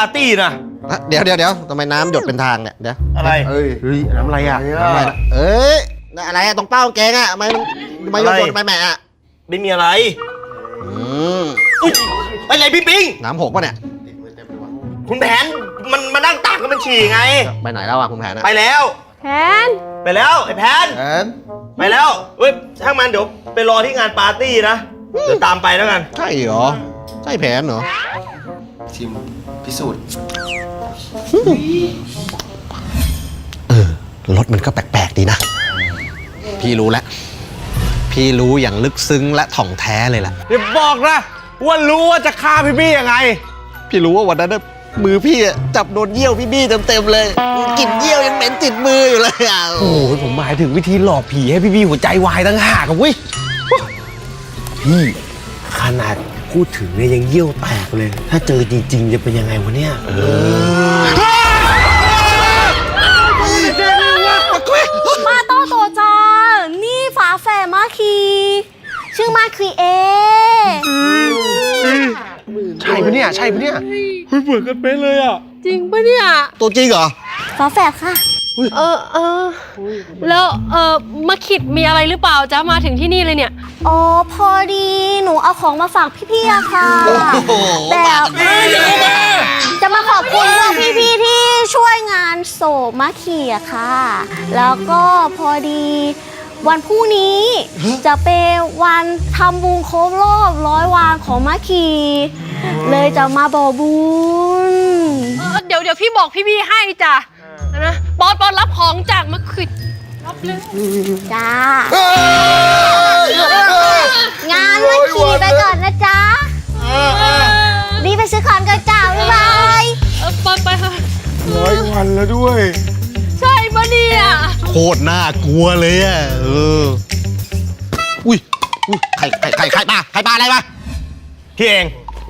าร์ตี้นะเดี๋ยวทำไมน้ำหยดเป็นทางเนี่ยเดี๋ยวอะไรเฮ้ยน้ำอะไรอ่ะน้ำอะไรนะอะไรอะตรงเป้ากางเกงอะทำไมหยดไปแม่อะไม่มีอะไรอุ้ยอะไรพี่ปิงน้ำหกป่ะเนี่ยคุณแผนมันมานั่งตากแล้วมันฉี่ไงไปไหนแล้วอะคุณแผนไปแล้วแผนไปแล้วไอ้แผนไปแล้วเฮ้ยช่างมันเดี๋ยวไปรอที่งานปาร์ตี้นะเดี๋ยวตามไปแล้วกันใช่เหรอใช่แผนเหรอชิมพิสูจน์รถมันก็แปลกๆดีนะพี่รู้แล้วพี่รู้อย่างลึกซึ้งและถ่องแท้เลยล่ะอย่าบอกนะว่ารู้ว่าจะฆ่าพี่ยังไงพี่รู้ว่าวันนั้นมือพี่จับโดนเยี่ยวพี่เต็มเลยกลิ่นเยี่ยวยังเหม็นติดมืออยู่เลยอ่ะโอ้ยผมหมายถึงวิธีหลอกผีให้พี่หัวใจวายตั้งหากกับเว้ยพี่ขนาดพูดถึงเนี่ยยังเยี่ยวแตกเลยถ้าเจอจริงๆจะเป็นยังไงวะเนี่ยมาโตโตจานี่ฝาแฝดมาคีชื่อมาคีเอใช่ปะเนี่ยเหมือนกันเป๊ะเลยอ่ะจริงปะเนี่ยตัวจริงเหรอฝาแฝดค่ะแล้วมาขิดมีอะไรหรือเปล่าจ๊ะมาถึงที่นี่เลยเนี่ยอ๋อพอดีหนูเอาของมาฝากพี่ๆอะค่ะแบบจะมาขอบคุณพวกพี่ๆที่ช่วยงานโศกมาคีอะค่ะแล้วก็พอดีวันพรุ่งนี้จะเป็นวันทำบุญครบรอบ100 วันของมาคีเลยจะมาบอกบุญเดี๋ยวพี่บอกพี่ให้จ้ะนะปอนรับของจากมาขิดรับเลยจ้างานมาขี่ไปก่อนนะจ๊ะรีบไปซื้อของกันจ้าบ๊ายบายปอนไปค่ะ 100 วันแล้วด้วยใช่ปะเนี่ยโคตรน่ากลัวเลยอ่ะอุ้ยใครปลาอะไรมาพี่เอง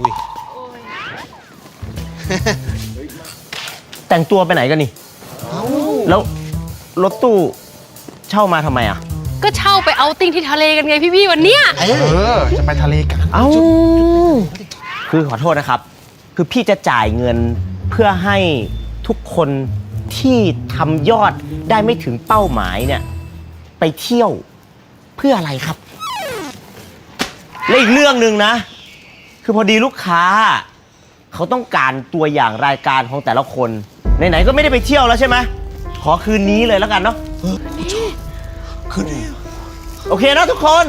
แต่งตัวไปไหนกันนี่แล้วรถตู้เช่ามาทำไมอ่ะก็เช่าไปเอาติ้งที่ทะเลกันไงพี่วันเนี้ยจะไปทะเลกันคือขอโทษนะครับคือพี่จะจ่ายเงินเพื่อให้ทุกคนที่ทำยอดได้ไม่ถึงเป้าหมายเนี่ยไปเที่ยวเพื่ออะไรครับและอีกเรื่องหนึ่งนะคือพอดีลูกค้าเขาต้องการตัวอย่างรายการของแต่ละคนไหนๆก็ไม่ได้ไปเที่ยวแล้วใช่ไหมขอคืนนี้เลยแล้วกันเนาะคืนนี้โอเคนะทุกคน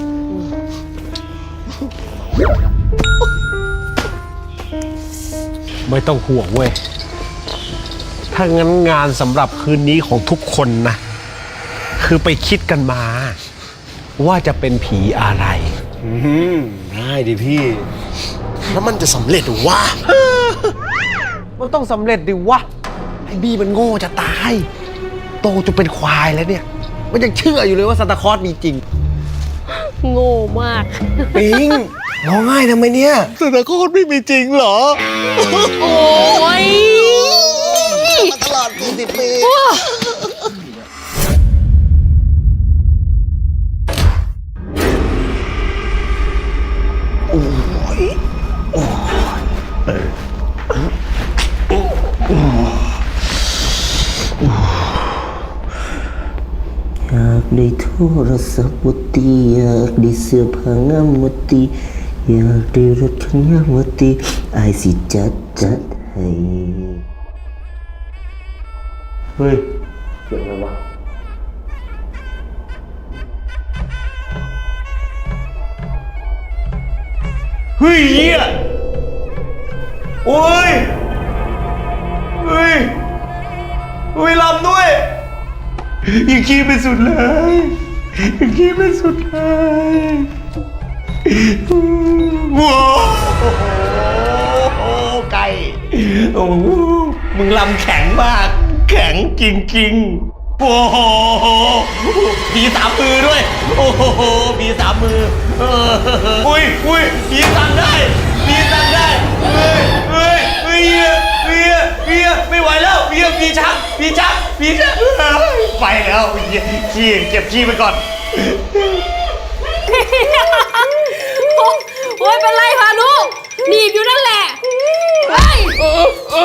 ไม่ต้องห่วงเว้ยถ้างั้นงานสำหรับคืนนี้ของทุกคนนะคือไปคิดกันมาว่าจะเป็นผีอะไรได้ดิพี่แล้วมันจะสำเร็จหรือวะมันต้องสำเร็จดิวะไอ้บี้มันโง่จะตายโตจะเป็นควายแล้วเนี่ยมันยังเชื่ออยู่เลยว่าซานตาคลอสมีจริงโง่มากปิงร้องไห้ทำไมเนี่ยซานตาคลอสไม่มีจริงเหรอโอ้ยมาตลอด40 ปีอยากได้โทรศัพท์มุตีอยากได้เสื้อผ้างามมุตีอยากได้รถคันงามมุตีไอสิจัดให้เฮ้ยเสียงอะไรวะเฮ้ยเหี้ยโอ้ยเฮ้ยลำด้วยยังขี้ไปสุดเลยว้าวไก่โอ้มึงลำแข็งมากแข็งจริงๆโอ้โหมี3 มือด้วยโอ้โหมี3 มืออุ้ยมีสั่งได้เฮียไม่ไหวแล้วเฮียพี่ชักไปแล้วขี้เก็บขี้ไปก่อนโอ้ยเป็นไรพานุหนีบอยู่นั่นแหละเฮ้ย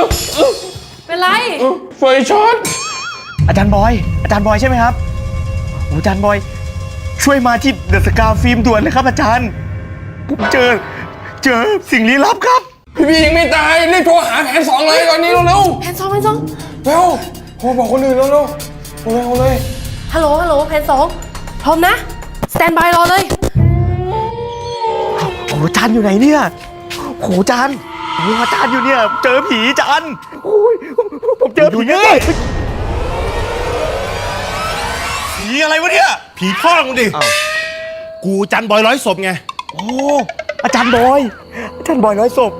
ไฟช็อตอาจารย์บอยใช่ไหมครับโอ้อาจารย์บอยช่วยมาที่เดอะสกาฟิล์มด่วนเลยครับอาจารย์ผมเจอสิ่งลี้ลับครับพี่บียังไม่ตายรีบโทรหาแผนสองเลยตอนนี้เร็วๆแผนสองเร็วโทรบอกคนอื่นเร็วๆเลยฮัลโหลแผนสองพร้อมนะ สแตนบายรอเลยโอ้อาจารย์อยู่ไหนเนี่ยโอ้อาจารย์อาจารย์อยู่เนี่ยเจอผีอาจารย์โอ้ยผมเจอผีเนี่ยผีอะไรวะเนี่ย ผีพ่อมึงดิ กูจันบอยร้อยศพไงโอ้อาจารย์บอยร้อยศพ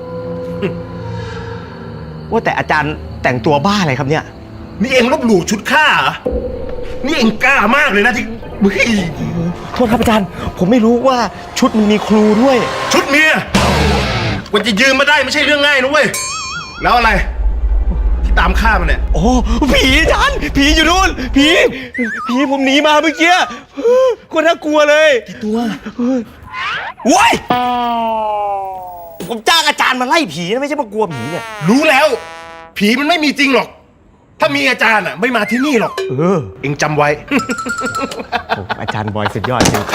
ว่าแต่อาจารย์แต่งตัวบ้าอะไรครับเนี่ยนี่เองลบหลู่ชุดข้าเหรอ นี่เองกล้ามากเลยนะที่เฮ้ยโทษครับอาจารย์ผมไม่รู้ว่าชุดมันมีครูด้วยชุดเมียกว่าจะยืมมาได้ไม่ใช่เรื่องง่ายนะเว้ย แล้วอะไร ที่ตามฆ่ามันเนี่ยโอ้ผีอาจารย์ผีอยู่นู่นผีผมหนีมาเมื่อกี้คนน่ากลัวเลยตัวโว้ยผมจ้างอาจารย์มาไล่ผีนะไม่ใช่มากลัวผีเนี่ยรู้แล้ว ผีมันไม่มีจริงหรอก ถ้ามีอาจารย์อ่ะไม่มาที่นี่หรอก เองจำไว้อาจารย์บอยสุดยอดจริง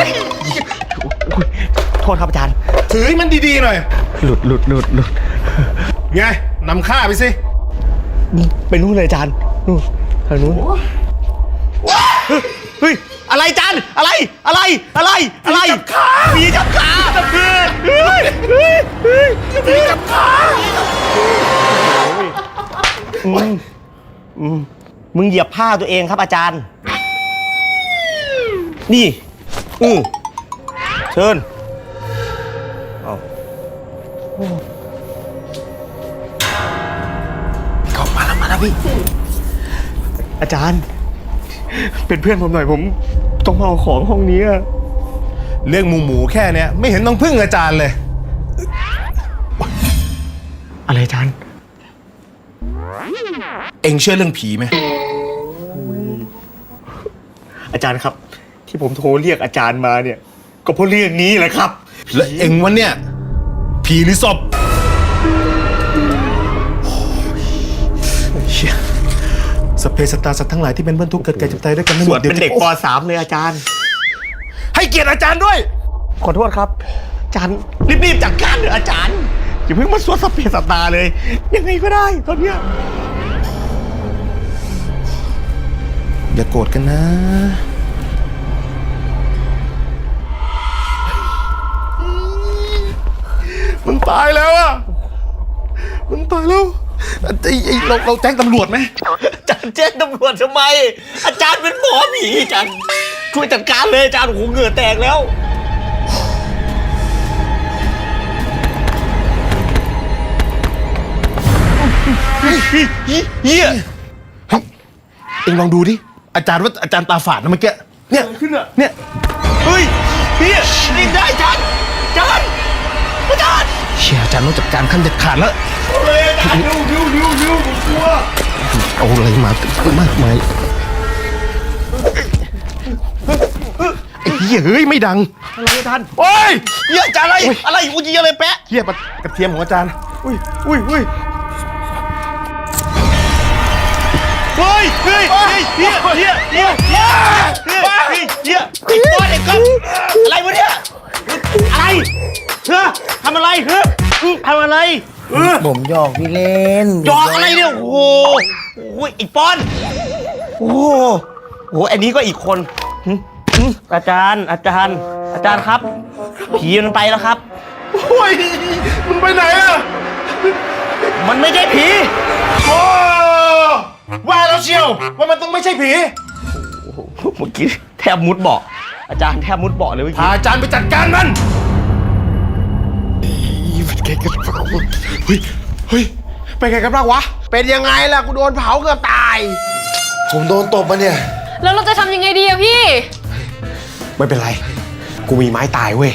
โทษครับอาจารย์ถือให้มันดีๆหน่อยหลุดไงนำฆ่าไปสิไปนู่นเลยอาจารย์นู่นทางนู้นเฮ้ยอะไรอาจารย์อะไรผีจับขาผีจับขามึงเหยียบผ้าตัวเองครับอาจารย์นี่เชิญเข้ามาแล้วพี่อาจารย์เป็นเพื่อนผมหน่อยผมต้องมาเอาของห้องนี้อะเรื่องหมูแค่เนี้ยไม่เห็นต้องพึ่งอาจารย์เลยอะไรอาจารย์เองเชื่อเรื่องผีไหมอาจารย์ครับ ที่ผมโทรเรียกอาจารย์มาเนี่ยก็เพราะเรื่องนี้แหละครับแล้วเองวันเนี่ยผีหรือศพเชี่ยสพเพสัตตาสัตว์ทั้งหลายที่เป็นเพื่อนทุกข์เกิดแก่เจ็บตายด้วยกันไม่หสมวดดเป็นเด็กป .3 เลยอาจารย์ให้เกียรติอาจารย์ด้วยขอโทษครับ อาจารย์รีบจัดการเถอะอาจารย์อย่าเพิ่งมาสวดสัพเพสัตตาเลย ยังไงก็ได้ตอนเนี้ยอย่าโกรธกันนะ มึงตายแล้วอ่ะ มึงตายแล้วเราแจ้งตำรวจไหมอาจารย์แจ้งตำรวจทำไม อาจารย์เป็นหมอผีอาจารย์ช่วยจัดการเลยอาจารย์โอ้โหเหงื่อแตกแล้ว เฮียเอ็งลองดูดิ อาจารย์ว่าอาจารย์ตาฝาดนะเมื่อกี้ เนี่ยขึ้นอะเนี่ยเฮ้ยเฮียรีบได้อาจารย์อาจารย์เชี่ยอาจารย์ต้องจัดการขั้นเด็ดขาดแล้วเอาเลยอาจารย์เร็วผมกลัวเอาอะไรมามากมายไอ้เหี้ยเฮ้ยไม่ดังอะไรอาจารย์โอ้ยเฮียอาจารย์อะไรกูยิงอะไรแปะเหี้ยกระเทียมของอาจารย์อุ้ยเฮ้ยเฮียไอ้บอสไอ้ก๊อฟอะไรวะเนี่ยอะไรทำอะไรทำอะไรผมหยอกพี่เล่นจอกอะไรเนี่ยโอ้โหอีกปอนโอ้โหอันนี้ก็อีกคนอาจารย์ครับ ผีมันไปแล้วครับโอ้ยมึงไปไหนอะมันไม่ใช่ผีโอ้ว่าแล้วเชียวว่ามันต้องไม่ใช่ผีเมื่อกี้แทบมุดเบาะอาจารย์แทบมุดเบาะเลยเมื่อพากี้อาจารย์ไปจัดการมันเฮ้ยไปไงกันบ้างวะเป็นยังไงล่ะกูโดนเผาเกือบตายผมโดนตบมาเนี่ยแล้วเราจะทำยังไงดีอะพี่ไม่เป็นไร กูมีไม้ตายเว้ย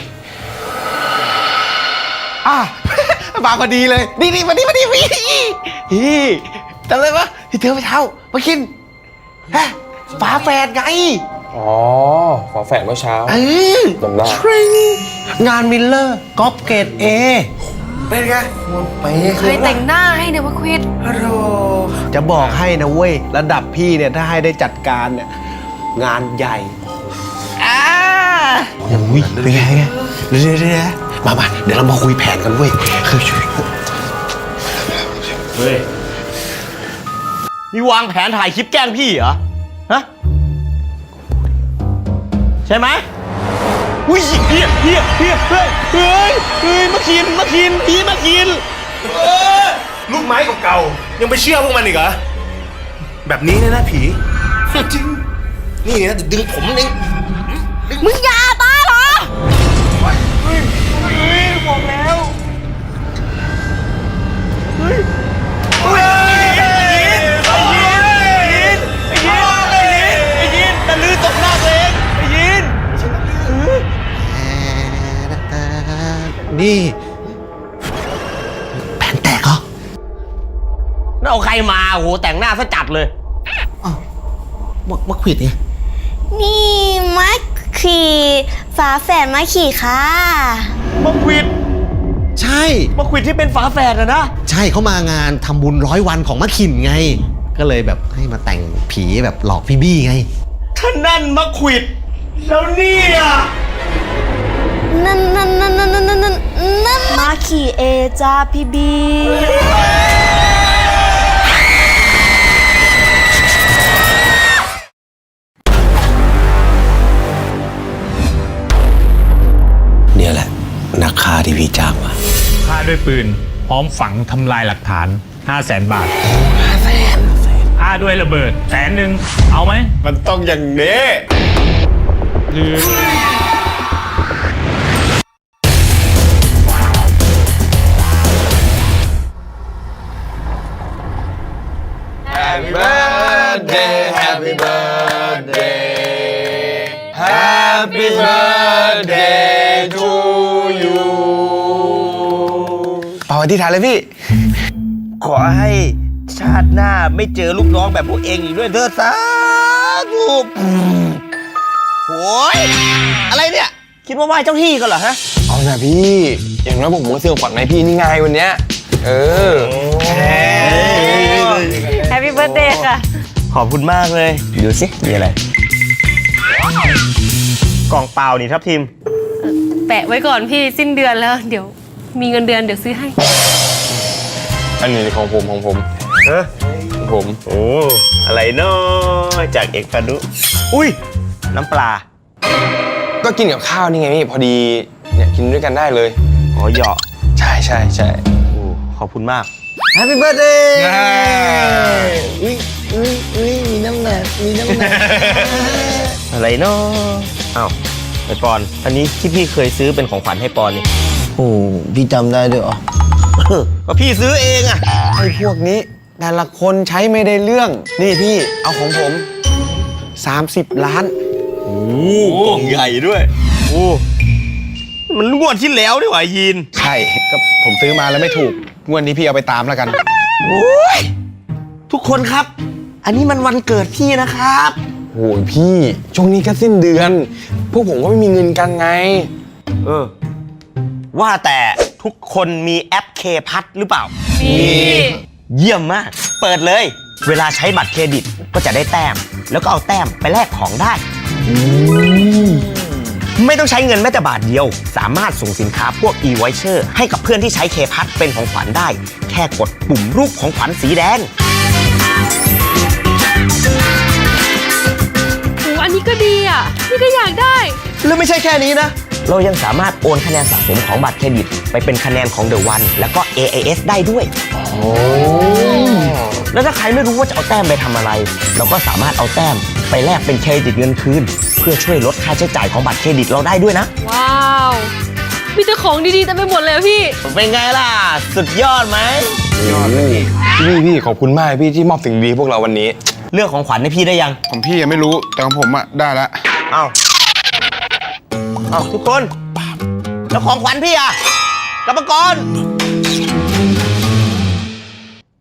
มาพอดีเลย นี่มานี่พี่จำได้ปะที่เธอไปเท้ามากินฮะฝาแฝดไงอ๋อฝาแฝดเมื่อเช้า จำได้งานมิลเลอร์ก๊อปเกรดเอเป็นไงไปเคยแต่งหน้าให้เนี่ยมาควิดฮัลโหลจะบอกให้นะเว้ย ระดับพี่เนี่ยถ้าให้ได้จัดการเนี่ยงานใหญ่อุ้ยเป็นไงเดี๋ยวมาเดี๋ยวเรามาคุยแผนกันเว้ยคือเฮ้ยนี่วางแผนถ่ายคลิปแกล้งพี่เหรอ ฮะ ใช่ไหมอุ้ยเฮียเฮ้ยมาคินพี่มาคินลูกไม้เก่าๆยังไปเชื่อพวกมันอีกเหรอ แบบนี้เนี่ยนะผี จริง นี่นะจะดึงผมเองมึงอย่าบ้าเหรอบอกแล้ว ไอ้ยินตะลือตกหน้าตัวเองไอ้ยินนี่แผนแตกเหรอน่าเอาใครมาโอ้โหแต่งหน้าซะจัดเลยมาขวิดไงนี่มะขี่ฝาแฝดมะขี่ค่ะมาควิดใช่มาควิดที่เป็นฝาแฝดอะนะใช่เขามางานทำบุญ100 วันของมะขินไง ก็เลยแบบให้มาแต่งผีแบบหลอกพี่บี้ไงท่านนั่นมาควิด แล้วเนี่ยนั่นมาขี่เอจ้าพี่บีเนี่ยแหละนักฆ่าที่พี่จ้างมาฆ่าด้วยปืน พร้อมฝังทำลายหลักฐาน 500,000 บาทฆ่าด้วยระเบิด100,000เอาไหมมันต้องอย่างนี้หรือ Happy birthday Happy birthday Happy birthday to you เป่าอธิษฐานเลยพี่ขอให้ชาติหน้าไม่เจอลูกน้องแบบพวกเองอีกด้วยเถิดสาธุโอ้ยอะไรเนี่ย คิดว่าไหว้เจ้าที่กันเหรอฮะเอานะพี่ อย่างน้อยผมก็ซื้อของขวัญให้พี่นี่ไงวันเนี้ยแฮปปี้เบิร์ดเดย์ค่ะขอบคุณมากเลย ดูสิ มีอะไร กล่องเปล่านี่ทับทิมแปะไว้ก่อนพี่สิ้นเดือนแล้ว เดี๋ยวมีเงินเดือนเดี๋ยวซื้อให้อันนี้ของผมของผมฮะของผมโอ้ อะไรเนาะจากเอกพานุอุ้ย น้ำปลาก็กินกับข้าวนี่ไงพี่พอดีเนี่ยกินด้วยกันได้เลยอ๋อเหยาะใช่ใช่ใช่โอ้ขอบคุณมาก Happy birthday มีน้ำหนักอะไรเนาะอ้าวไอปอน อันนี้ที่พี่เคยซื้อเป็นของขวัญให้ปอนนี่โอ้พี่จำได้ด้วยเหรอก็พี่ซื้อเองอะไอ้พวกนี้แต่ละคนใช้ไม่ได้เรื่อง นี่พี่เอาของผม 30 ล้านโอ้กล่องใหญ่ด้วย โอ้ มันงวดที่แล้วนี่หว่ายีนใช่ก็ผมซื้อมาแล้วไม่ถูกงวดนี้พี่เอาไปตามแล้วกันโอ้ย ทุกคนครับ อันนี้มันวันเกิดพี่นะครับโอ้ยพี่ช่วงนี้ก็สิ้นเดือน พวกผมก็ไม่มีเงินกันไงเออ ว่าแต่ทุกคนมีแอปเคพัทหรือเปล่ามีเยี่ยมมาก เปิดเลย เวลาใช้บัตรเครดิตก็จะได้แต้ม แล้วก็เอาแต้มไปแลกของได้ ไม่ต้องใช้เงินแม้แต่บาทเดียว สามารถส่งสินค้าพวก e-voucher ให้กับเพื่อนที่ใช้เคพัทเป็นของขวัญได้ แค่กดปุ่มรูปของขวัญสีแดงโอ้อันนี้ก็ดีอ่ะ นี่ก็อยากได้แล้วไม่ใช่แค่นี้นะ เรายังสามารถโอนคะแนนสะสมของบัตรเครดิต ไปเป็นคะแนนของ The One แล้วก็ AIS ได้ด้วย แล้วถ้าใครไม่รู้ว่าจะเอาแต้มไปทำอะไร เราก็สามารถเอาแต้มไปแลกเป็นเครดิตเงินคืน เพื่อช่วยลดค่าใช้จ่ายของบัตรเครดิตเราได้ด้วยนะว้าว มีแต่ของดีๆแต่ไปหมดเลยอะพี่เป็นไงล่ะ สุดยอดไหมพี่ขอบคุณมากพี่ที่มอบสิ่งดีให้พวกเราวันนี้เลือกของขวัญให้พี่ได้ยังของพี่ยังไม่รู้ แต่ของผมอะได้แล้วเอาทุกคน แล้วของขวัญพี่อะกรรมกร